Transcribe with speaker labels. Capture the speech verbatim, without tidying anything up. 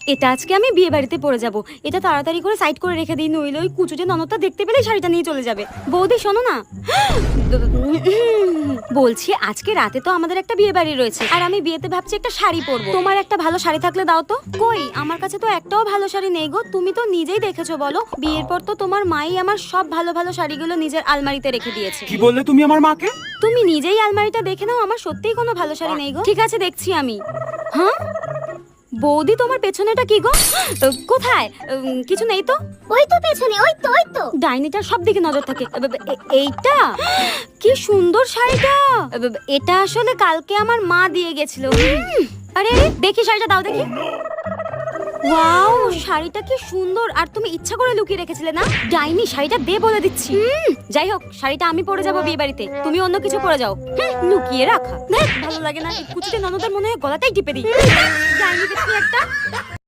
Speaker 1: এটা আজকে আমি বিয়ে বাড়িতে পরে যাব। এটা তাড়াতাড়ি করে সাইড করে রেখে দিই, নইলে ওই কুচুটে ননদটা দেখতে পেলেই শাড়িটা নিয়ে চলে যাবে। বৌদি শোনো না, বলছি আজকে রাতে তো আমাদের একটা বিয়ে বাড়ি রয়েছে, আর আমি বিয়েতে ভাবছি একটা শাড়ি পরবো। তোমার একটা ভালো শাড়ি থাকলে দাও তো। কই, আমার কাছে তো একটাও ভালো শাড়ি নেই গো। তুমি তো নিজেই দেখেছো, বলো বিয়ের পর তো তোমার মাই আমার সব ভালো ভালো শাড়িগুলো নিজের আলমারিতে রেখে দিয়েছে।
Speaker 2: কি বললে তুমি আমার মাকে?
Speaker 1: তুমি নিজেই আলমারিটা দেখে নাও, আমার সত্যিই কোনো ভালো শাড়ি নেই গো। ঠিক আছে, দেখছি আমি। হ্যাঁ বৌদি, তোমার পেছনেটা কি গো? কোথায়? উম, কিছু নেই তো।
Speaker 3: ওই তো পেছনে, ওই তো ওই তো।
Speaker 1: ডাইনিটার সব দিকে নজর থাকে। এ- এ- এইটা কি সুন্দর শাড়িটা! এ- এটা আসলে কালকে আমার মা দিয়ে গেছিল। উম, আরে আরে, দেখি শাড়িটা দাও দেখি। ওয়াও, শাড়িটা কি সুন্দর! আর তুমি ইচ্ছা করে লুকিয়ে রেখেছিলে না? ডাইনি, শাড়িটা দে বলে দিচ্ছি। হুম, যাই হোক, শাড়িটা আমি পরে যাবো বিয়ে বাড়িতে, তুমি অন্য কিছু পরে যাও। হুম, লুকিয়ে রাখা, দেখ ভালো লাগে না। এই কুচিতে ননদের মনে হয় গলাটাই টিপে দিই। ডাইনি দেখি একটা।